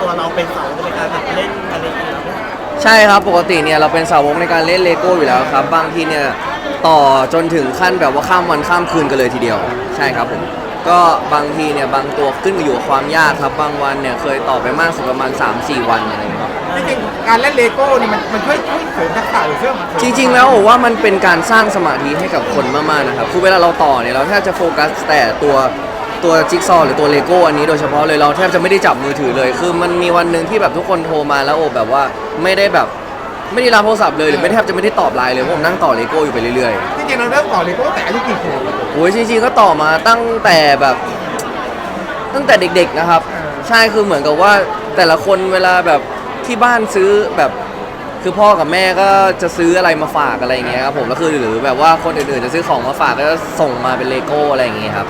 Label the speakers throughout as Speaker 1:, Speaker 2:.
Speaker 1: ตัวเราเป็นเสาในการแบบเล่นอะไรอย่างเงี้ย
Speaker 2: ใช่ครับปกติเนี่ยเราเป็นสาวกในการเล่นเลโก้อยู่แล้วครับบางทีเนี่ยต่อจนถึงขั้นแบบว่าข้ามวันข้ามคืนกันเลยทีเดียวใช่ครับผมก็บางทีเนี่ยบางตัวขึ้นอยู่กับความยากครับบางวันเนี่ยเคยต่อไปมากสุดประมาณ 3-4 วันอะไรอย่างเงี้ย
Speaker 3: จริงๆการเล่นเลโก้นี่มันช่วยเสริมทักษะหรือเสริม
Speaker 2: จริงๆแล้วผมว่ามันเป็นการสร้างสมาธิให้กับคนมากๆนะครับคือเวลาเราต่อเนี่ยเราแทบจะโฟกัสแต่ตัวจิ๊กซอว์หรือตัวเลโก้อันนี้โดยเฉพาะเลยเราแทบจะไม่ได้จับมือถือเลยคือมันมีวันหนึ่งที่แบบทุกคนโทรมาแล้วโอบแบบว่าไม่ได้รับโทรศัพท์เลยหรือไม่แทบจะไม่ได้ตอบไลน์เลยเพราะผมนั่งต่อเลโก้อยู่ไปเรื่อย
Speaker 3: จริงๆเราเริ่มต่อเลโก้แต่อายุกี่ขวบ
Speaker 2: ๆโอ้ยจริงๆก็ต่อมาตั้งแต่เด็กๆนะครับใช่คือเหมือนกับว่าแต่ละคนเวลาแบบที่บ้านซื้อแบบคือพ่อกับแม่ก็จะซื้ออะไรมาฝากอะไรอย่างเงี้ยครับผมแล้วคือหรือแบบว่าคนอื่นๆจะซื้อของมาฝากก็จะส่งมาเป็นเลโก้อะไรอย่างเงี้ยครับ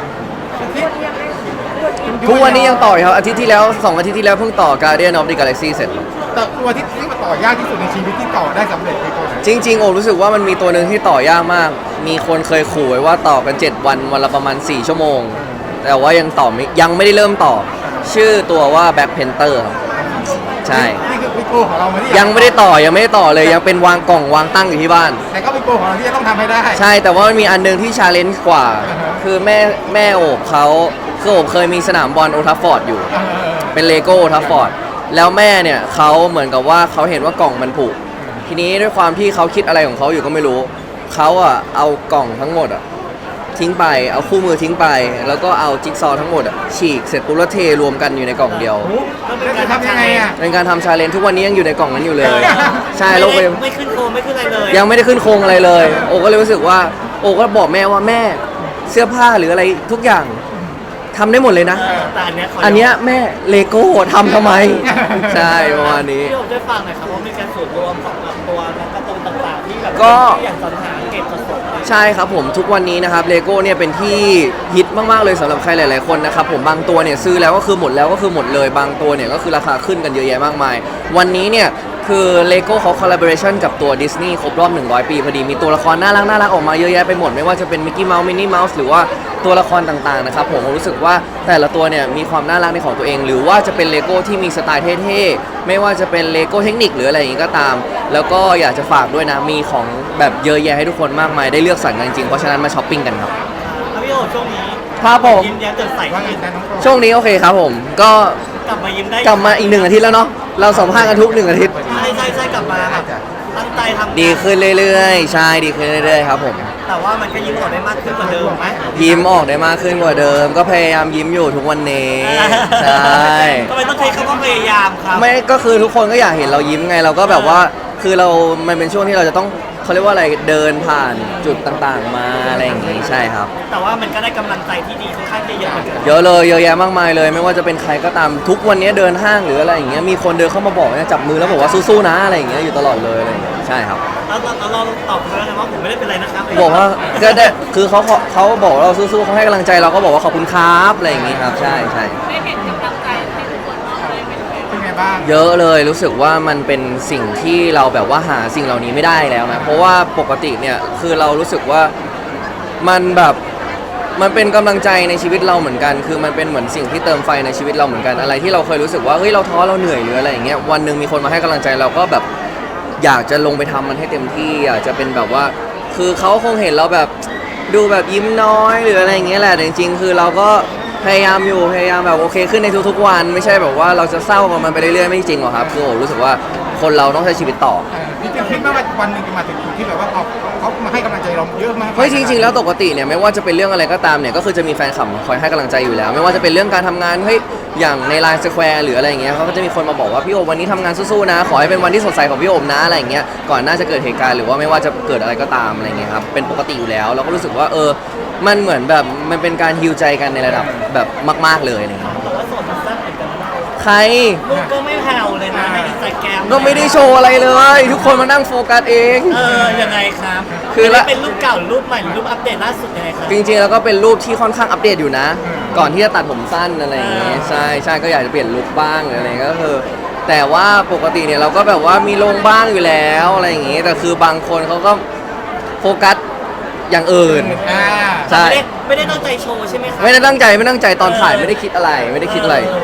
Speaker 2: ทุกวันนี้ยังต่ออยู่ครับอาทิตย์ที่แล้ว2 อาทิตย์ที่แล้วเพิ่งต่อ Guardian of the Galaxy เสร็จ
Speaker 3: แต่ตัวที่มาต่อยากที่สุดในชีวิตที่ต่อได้สำเร็จเลโก้ไหน
Speaker 2: จริงๆโอ้รู้สึกว่ามันมีตัวหนึ่งที่ต่อยากมากมีคนเคยขู่ไว้ว่าต่อกัน7 วันวันละประมาณ4 ชั่วโมงแต่ว่ายังไม่ได้เริ่มต่อชื่อตัวว่า Black Panther ครับใช่
Speaker 3: นี่คือวิโก้ของเราไหมที่
Speaker 2: ยังไม่ได้ต่อเลยยังเป็นวางกล่องวางตั้งอยู่ที่บ้าน
Speaker 3: แต่ก็วิโก้ของเราที่จะต้องทำให้ได้
Speaker 2: ใช่แต่ว่ามันมีอันนึงที่ชาเลนจ์กว่า
Speaker 3: อ่าฮะ
Speaker 2: คือแม่โอบเขาคือโอบเคยมีสนามบอลโอทัฟฟอร์ดอยู่ เป็นเลโก้โอทัฟฟอร์ดแล้วแม่เนี่ยเขาเหมือนกับว่าเขาเห็นว่ากล่องมันผุทีนี้ด้วยความที่เขาคิดอะไรของเขาอยู่ก็ไม่รู้เขาอะเอากล่องทั้งหมดอะทิ้งไปเอาคู่มือทิ้งไป แล้วก็เอาจิ๊กซอว์ทั้งหมดอะฉีกเสร็จปุ๊บแล้วเทรวมกันอยู่ในกล่องเดียว
Speaker 3: โอ้โหแล้วจะทำยังไงอ่ะ
Speaker 2: เป็นการทำชาเลนจ์ทุกวันนี้ยังอยู่ในกล่องนั้นอยู่เลย ใช่
Speaker 1: ไม่
Speaker 2: โลก
Speaker 1: ได้ไม่ขึ้นโคมไม่ขึ้นอะไรเลย
Speaker 2: ยังไม่ได้ขึ้นโครงอะไรเลย โอก็เลยรู้สึกว่าโอก็บอกแม่ว่าแม่เสื้อผ้าหรืออะไรทุกอย่างทำได้หมดเลยนะ
Speaker 1: แต่อันเนี้ยข
Speaker 2: อันเนี้ยแม่เลโก้ทำไม ใช่ประมาณนี้
Speaker 1: พี่โอ๊คได้ฟังหน่อยครับว่ามีการส่วนรวมของแบบตัวการ์ตูนต่างๆที่แบบ
Speaker 2: ก็
Speaker 1: ที่อย่างสรรหาเก็บสดๆเลย
Speaker 2: ใช่ครับผมทุกวันนี้นะครับเลโก้เนี่ยเป็นที่ฮิตมากๆเลยสำหรับใครหลายๆคนนะครับผมบางตัวเนี่ยซื้อแล้วก็คือหมดแล้วก็คือหมดเลยบางตัวเนี่ยก็คือราคาขึ้นกันเยอะแยะมากมาย วันนี้เนี่ยคือเลโก้เขาคอลลาบอเรชันกับตัวดิสนีย์ครบรอบ100 ปีพอดีมีตัวละครน่ารักออกมาเยอะแยะไปหมดไม่ว่าจะเป็นมิกกี้เมาส์มินนี่เมาส์หรือว่าตัวละครต่างๆนะครับผมรู้สึกว่าแต่ละตัวเนี่ยมีความน่ารักในของตัวเอง หรือว่าจะเป็นเลโก้ที่มีสไตล์เท่ๆไม่ว่าจะเป็นเลโก้เทคนิคหรืออะไรอย่างนี้ก็ตาม แล้วก็อยากจะฝากด้วยนะมีของแบบเยอะแยะให้ทุกคนมากมายได้เลือกสรรกันจริงๆเพราะฉะนั้นมาช้อปปิ้งกันครับ
Speaker 1: แล้วพี่โอ๊คช่วงนี้
Speaker 2: ครับผม
Speaker 1: ยิ้มแย้มแจ่มใส
Speaker 3: ว่าไง
Speaker 1: ขึ้น
Speaker 3: จ๊ะน้องโก้
Speaker 2: ช่วงนี้โอเคครับผมก็
Speaker 1: กลับมายิ้มได้
Speaker 2: กลับมาอีก1 อาทิตย์แล้วเนาะเราสัมภาษณ์กันทุก1 อาทิตย์
Speaker 1: ใช่กลับมาแบบตั้งใจทำงาน
Speaker 2: ดีขึ้นเรื่อยๆใช่ดีขึ้นเรื่อยๆครับผม
Speaker 1: แต่ว่ามันก็ยิ้มออกได้มากขึ้นกว่าเดิมไหม
Speaker 2: ยิ้มออกได้มากขึ้นกว่าเดิม ก็พยายามยิ้มอยู่ทุกวันนี้ใช่
Speaker 1: ทำไมต้องใช้คำว่าพยายามครับ
Speaker 2: ไม่ก็คือทุกคนก็อยากเห็นเรายิ้มไงเราก็แบบว่าคือมันเป็นช่วงที่เราจะต้องเขาเรียกว่าอะไรเดินผ่านจุดต่างๆมาอะไรอย่างงี้ใช่ครับ
Speaker 1: แต่ว่ามันก็ได้กำลังใจที่ดีค่อนข้างจะเยอะเหมือนกัน
Speaker 2: เยอะเลยเยอะแยะมากมายเลย ไม่ว่าจะเป็นใครก็ตามทุกวันนี้เดินห้างหรืออะไรอย่างเงี้ยมีคนเดินเข้ามาบอกเนี่ยจับมือแล้วบอกว่าสู้ๆนะอะไรอย่างเงี้ยอยู่ตลอดเลยอะไรอย่างเงี้ยใช่ครับ
Speaker 1: แล้วเราตอบเขาแล้วไงว่าผมไม่ได้เป็นไรนะครับ
Speaker 2: บอกว่าก็ได้คือเขาบอกเราสู้ๆเขาให้กำลังใจเราก็บอกว่าขอบคุณครับอะไรอย่างงี้ครับใช่
Speaker 4: ได้เห็นกำลังใจที่ทุกคนมอบให้เป็นยังไง
Speaker 3: เป็นไงบ้าง
Speaker 2: เยอะเลยรู้สึกว่ามันเป็นสิ่งที่เราแบบว่าหาสิ่งเหล่านี้ไม่ได้แล้วนะเพราะว่าปกติเนี่ยคือเรารู้สึกว่ามันแบบมันเป็นกำลังใจในชีวิตเราเหมือนกัน คือมันเป็นเหมือนสิ่งที่เติมไฟในชีวิตเราเหมือนกันอะไรที่เราเคยรู้สึกว่าเฮ้ยเราท้อเราเหนื่อยหรืออะไรอย่างเงี้ยวันหนึ่งมีคนมาให้กำลังใจเราก็แบบอยากจะลงไปทำมันให้เต็มที่อยากจะเป็นแบบว่า คือเขาคงเห็นเราแบบดูแบบยิ้มน้อยหรืออะไรอย่างเงี้ยแหละแต่จริงๆคือเราก็พยายามแบบโอเคขึ้นในทุกๆวันไม่ใช่แบบว่าเราจะเศร้ากับมันไปเรื่อยๆไม่จริงหรอกครับคือโอ้รู้สึกว่าคนเราต้องใช้ชีวิตต่อ
Speaker 3: จริงๆคิดว่าวันหนึ่งจะมาถึงจุดที่แบบว่าเขามาให้กำลังใจเราเยอะมาก
Speaker 2: เฮ้ยจริงๆแล้วปกติเนี่ยไม่ว่าจะเป็นเรื่องอะไรก็ตามเนี่ยก็คือจะมีแฟนคลับคอยให้กำลังใจอยู่แล้ว ไม่ว่าจะเป็นเรื่องการทำงานเฮ้ยอย่างในไลน์สแควร์หรืออะไรอย่างเงี้ยเขาก็จะมีคนมาบอกว่าพี่โอมวันนี้ทำงานสู้ๆนะขอให้เป็นวันที่สดใสของพี่โอมนะอะไรอย่างเงี้ยก่อนหน้าจะเกิดเหตุการณ์หรือว่าไม่ว่าจะเกิดอะไรก็ตามอะไรเงี้ยครับเป็นปกติอยู่แล้วเราก็รู้สึกว่ามันเหมือนแบบมันเป็นการฮีลใจกันในระดับแบบมากๆเลยอะไรเงี้ย
Speaker 1: แต่ว่าโสดมันแซ่บเหมือนกันนะ
Speaker 2: ใคร
Speaker 1: ลูกก็ไม่แผ่วเลยนะในอินสตาแกรม
Speaker 2: ก็ไม่ได้โชว์อะไรเลย ทุกคนมานั่งโฟกัสเอง
Speaker 1: ยังไงครับ
Speaker 2: คือละ
Speaker 1: เป็นรูปเก่าหรือรูปใหม่หรือรูปอัปเดตล่าสุดยังไงครับ
Speaker 2: จริงๆแล้วก็เป็นรูปที่ค่อนข้างอัปเดตอยู่นะ ก่อนที่จะตัดผมสั้นอะไรอย่างเงี้ยใช่ก็อยากจะเปลี่ยนลุคบ้างหรืออะไรก็คือแต่ว่าปกติเนี่ยเราก็แบบว่ามีลงบ้างอยู่แล้วอะไรอย่างเงี้ยแต่คือบางคนเขาก็โฟกัสอย่างอื่น ใช่
Speaker 1: ไม่ได้ตั้งใจโชว์ใช่ไหมครับ
Speaker 2: ไม่ได้ตั้งใจตอนถ่ายไม่ได้คิดอะไร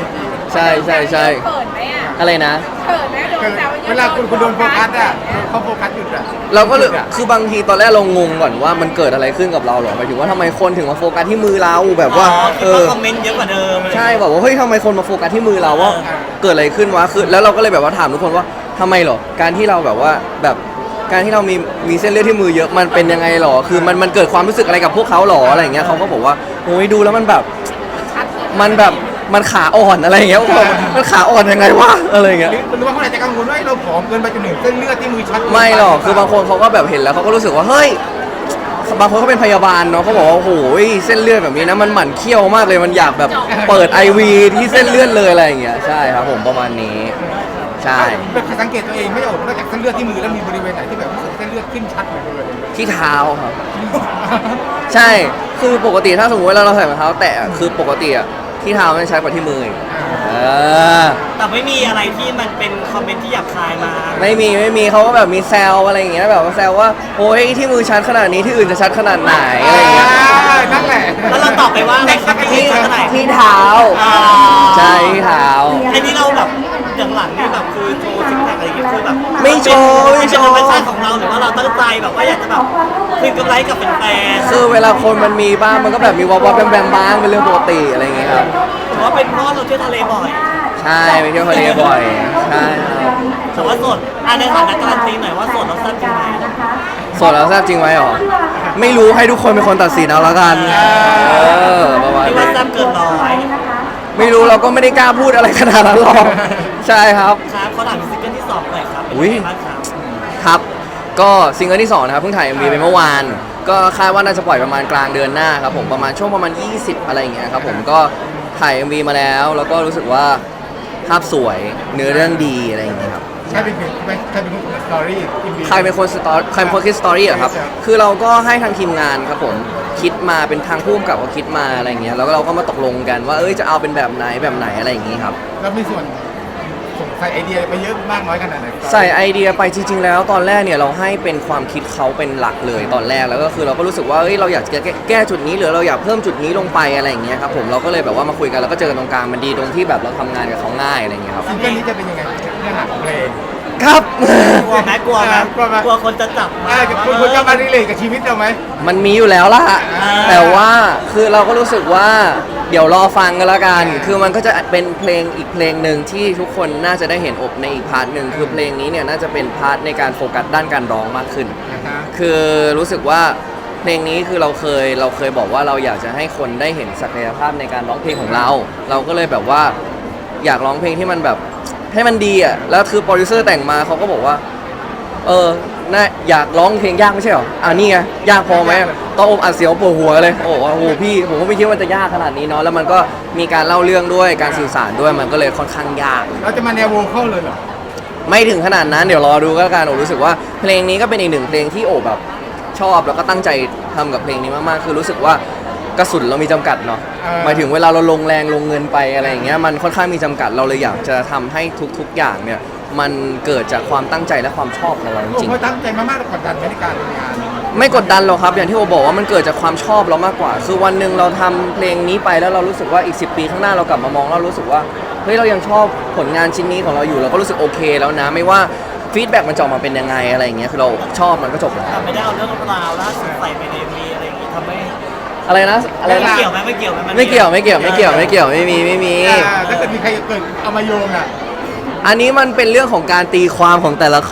Speaker 2: ใช่ใช่ใช่
Speaker 4: เขินไหมอ่ะ
Speaker 2: อะไรนะ
Speaker 4: เขินไหมโดนแซวเยอะ
Speaker 3: เวลาคุณโดนโฟกัสอ่ะเขาโฟกัสหยุดอ่ะ
Speaker 2: เราก็เลยคือบางทีตอนแรกเรางงก่อนว่ามันเกิดอะไรขึ้นกับเราหรอหมายถึงว่าทำไมคนถึงมาโฟกัสที่มือเราแบบว่า
Speaker 1: คิดว่าคอมเมนต์เยอะกว่าเดิม
Speaker 2: ใช่แบบว่าเฮ้ยทำไมคนมาโฟกัสที่มือเราว่าเกิดอะไรขึ้นวะคือแล้วเราก็เลยแบบว่าถามทุกคนว่าทำไมหรอการที่เราแบบว่าแบบการที่เรามีเส้นเลือดที่มือเยอะมันเป็นยังไงหรอคือมันเกิดความรู้สึกอะไรกับพวกเขาหรออะไรอย่างเงี้ยเขาก็บอกว่าโอ้ยดูแล้วมันแบบมันแบบมันขาอ่อนอะไรอย่างเงี้ยผมบอกมันขาอ่อนยังไงวะอะไรอย่างเงี้ย
Speaker 3: หรือว่าเขาอาจจะกังวลว่าเราผอมเกินไปจนถึงเส้นเลือดที่มือช็อต
Speaker 2: ไม่หรอกคือบางคนเขาก็แบบเห็นแล้วเขาก็รู้สึกว่าเฮ้ยบางคนเขาเป็นพยาบาลเนาะเขาบอกว่าโอ้โหเส้นเลือดแบบนี้นะมันหมั่นเคี้ยวมากเลยมันอยากแบบเปิด IV ที่เส้นเลือดเลยอะไรอย่างเงี้ยใช่ครับผมประมาณนี้ใช่
Speaker 3: สังเกตตัวเองไม่ออกนอกจากเส้นเลือดที่มือแล้วมีบริเวณไหนที่แบบรู้สึกเส้นเลือดขึ้นชัดเลย
Speaker 2: ที่เท้าครับใช่คือปกติถ้าสมมติว่าเราใส่รองเท้าแตะคือปกติอะที่เท้ามันใช้กว่าที่มืออีกเออ
Speaker 1: แต่ไม่มีอะไรที่มันเป็นคอมเมนต์ที่หยาบคายมา
Speaker 2: ไม่มีเขาก็แบบมีแซวอะไรอย่างเงี้ยแบบว่าแซวว่าโอ้ยที่มือชัดขนาดนี้ที่อื่นจะชัดขนาดไหนอะไรอย่างเงี้ย
Speaker 3: นั่นแหละ
Speaker 1: แล้วเราตอบไปว่าอะไรครับ
Speaker 2: ที่
Speaker 1: ที่เท่าไหร่
Speaker 2: ที่เท้า
Speaker 1: อ่า
Speaker 2: ใช่ที่เท้า
Speaker 1: ไอ้นี่เราแบบอย่างหลังนี่แบบคือโชว์ซิกแพคอะไรอย่างเงี้ยคือแบบ
Speaker 2: ไม่โชว์ไม่
Speaker 1: เป็น
Speaker 2: โช
Speaker 1: ธร
Speaker 2: ว์
Speaker 1: รมชาติของเราหรือว่าเราตั้งใจแบบว่าอยากจะแบบคืนกำไรกับแฟน
Speaker 2: คือเวลาคนมันมีบ้างมันก็แบบมีวอลแบมบ้างเป็นเรื่องปกติอะไรอย่างเงี้ยครับ
Speaker 1: ๆถือว่าเป็นเพราะเราเที่ยวทะเลบ่อย
Speaker 2: ใช่ไปเที่ยวทะเลบ่อยใช่ครับ
Speaker 1: แต่ว่าโสดในฐานะการันตีหน่อยว่าโสดเราแซ่บจริงไหม
Speaker 2: โสดแล้วแซ่บจริงไหมหรอไม่รู้ให้ทุกคนเป็นคนตัดสินเอาละกันประมาณ
Speaker 1: ที่ว่า
Speaker 2: นี้
Speaker 1: แซ่บเกินร้อย
Speaker 2: ไม่รู้เราก็ไม่ได้กล้าพูดอะไรขนาดนั้นหรอกใช่ครับ
Speaker 1: ครับเขาถามถึงซิงเกิลที่2หน่อยครับเป็น
Speaker 2: อุ๊ย
Speaker 1: ยังไงบ้างครับ
Speaker 2: ครับก็ซิงเกิลที่2นะครับเพิ่งถ่าย MV ไปเมื่อวานก็คาดว่าน่าจะปล่อยประมาณกลางเดือนหน้าครับผมประมาณช่วงประมาณ 20 อะไรอย่างเงี้ยครับผมก็ถ่าย MV มาแล้วก็รู้สึกว่าภาพสวยเนื้อเรื่องดีอะไรอย่างเงี้ยครับ
Speaker 3: ใช่เป็นสตอรี่
Speaker 2: ใครเป็นคนคิดสตอรี่อะครับ คือเราก็ให้ทางทีมงานครับผมคิดมาเป็นทางผู้กำกับเขาคิดมาอะไรอย่างเงี้ยแล้วเราก็มาตกลงกันว่าจะเอาเป็นแบบไหนอะไรอย่างงี้ครับ
Speaker 3: แล้วมีส่วนใส่ไอเดียไปเยอะมากน้อยขนาดไหน
Speaker 2: ใส่ไอเดียไปจริงๆแล้วตอนแรกเนี่ยเราให้เป็นความคิดเขาเป็นหลักเลยตอนแรกแล้วก็คือเราก็รู้สึกว่าเราอยากจะแก้จุดนี้หรือเราอยากเพิ่มจุดนี้ลงไปอะไรอย่างเงี้ยครับผมเราก็เลยแบบว่ามาคุยกันแล้วก็เจอกันตรงกลางมันดีตรงที่แบบเราทำงานกับเขาง่ายอะไรอย่างเงี้ยครับ
Speaker 3: ซิงเกิลนี้จะเป็นยังไงเนื้อหาของเพลง
Speaker 2: ครับ
Speaker 1: กลัวไหมกลัวไหม
Speaker 3: กลัวไหม
Speaker 1: กลัวคนจะจับมา
Speaker 3: คุณจะมารีเลทกับชีวิตเราไหม
Speaker 2: มันมีอยู่แล้วล่ะแต่ว่าคือเราก็รู้สึกว่าเดี๋ยวรอฟังกันแล้วกันคือมันก็จะเป็นเพลงอีกเพลงหนึ่งที่ทุกคนน่าจะได้เห็นอบในอีกพาร์ทหนึ่งคือเพลงนี้เนี่ยน่าจะเป็นพาร์ทในการโฟกัสด้านการร้องมากขึ้น คือรู้สึกว่าเพลงนี้คือเราเคยบอกว่าเราอยากจะให้คนได้เห็นศักยภาพในการร้องเพลงของเรา เราก็เลยแบบว่าอยากร้องเพลงที่มันแบบให้มันดีอ่ะแล้วคือโปรดิวเซอร์แต่งมาเขาก็บอกว่าน่าอยากร้องเพลงยากไม่ใช่หรอนี่ไงยากพอไหมต้องอมอัดเสียวปวดหัวเลยโอ้โหพี่ผมก็ไม่คิดว่าจะยากขนาดนี้เนาะแล้วมันก็มีการเล่าเรื่องด้วยการสื่อสารด้วยมันก็เลยค่อนข้างยาก
Speaker 3: เราจะมาแนวโวคอลเลยเหรอ
Speaker 2: ไม่ถึงขนาดนั้นเดี๋ยวรอดูก็แล้วกันโอรู้สึกว่าเพลงนี้ก็เป็นอีกหนึ่งเพลงที่โอแบบชอบแล้วก็ตั้งใจทำกับเพลงนี้มากๆคือรู้สึกว่ากระสุนเรามีจำกัดเนาะหมายถึงเวลาเราลงแรงลงเงินไปอะไรอย่างเงี้ยมันค่อนข้างมีจำกัดเราเลยอยากจะทำให้ทุกๆอย่างเนี่ยมันเกิดจากความตั้งใจและความชอบของเราจ
Speaker 3: ผม
Speaker 2: ริง
Speaker 3: ก็ตั้งใจมากๆกดดันในการทำงาน
Speaker 2: ๆไม่กดดันหรอกครับอย่างที่โอบอกว่ามันเกิดจากความชอบเรามากกว่า คือวันหนึ่งเราทำเพลงนี้ไปแล้วเรารู้สึกว่าอีก10 ปีข้างหน้าเรากลับมามองแล้วรู้สึกว่าเฮ้ยเรายังชอบผลงานชิ้นนี้ของเราอยู่เราก็รู้สึกโอเคแล้วนะไม่ว่าฟีดแบ็กมันจะออกมาเป็นยังไงอะไรอย่างเงี้ยคือเราชอบมันก็จบแล้ว
Speaker 1: แต่ไม่ได้เอาเรื่องราวล่าสุดใส่ไปในมีอะไรอย่างงี้ทำให้
Speaker 2: อะไรนะอะไร
Speaker 1: ไม่
Speaker 2: นะ
Speaker 1: เกี่ยวไหมไม่เกี่ยวไหมน
Speaker 2: ไม่เกี่ยวไม่มี
Speaker 3: ถ้าเกิดมีใครเกิดเอามาโยงอ่ะ
Speaker 2: อันนี้มันเป็นเรื่องของการตีความของแต่ละคน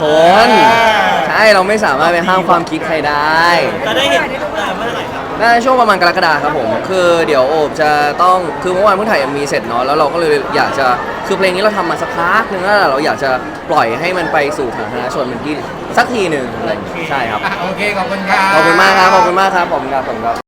Speaker 2: ใช่เราไม่สามารถไปห้ามความคิดใครได้
Speaker 1: จะได้เห็นเมื่อไหร่ครับ
Speaker 2: น่าจะช่วงประมาณกรกฎาคมครับผมคือเดี๋ยวโอบจะต้องคือเมื่อวานเพิ่งถ่าย MV เสร็จเนาะแล้วเราก็เลยอยากจะคือเพลงนี้เราทำมาสักพักนึงแล้วเราอยากจะปล่อยให้มันไปสู่สาธารณชนเป็นที่สักทีหนึ่งอะไรอย่างเงี้ยใช่ครับ
Speaker 3: โอเคขอบคุณครับ
Speaker 2: ขอบคุณมากครับ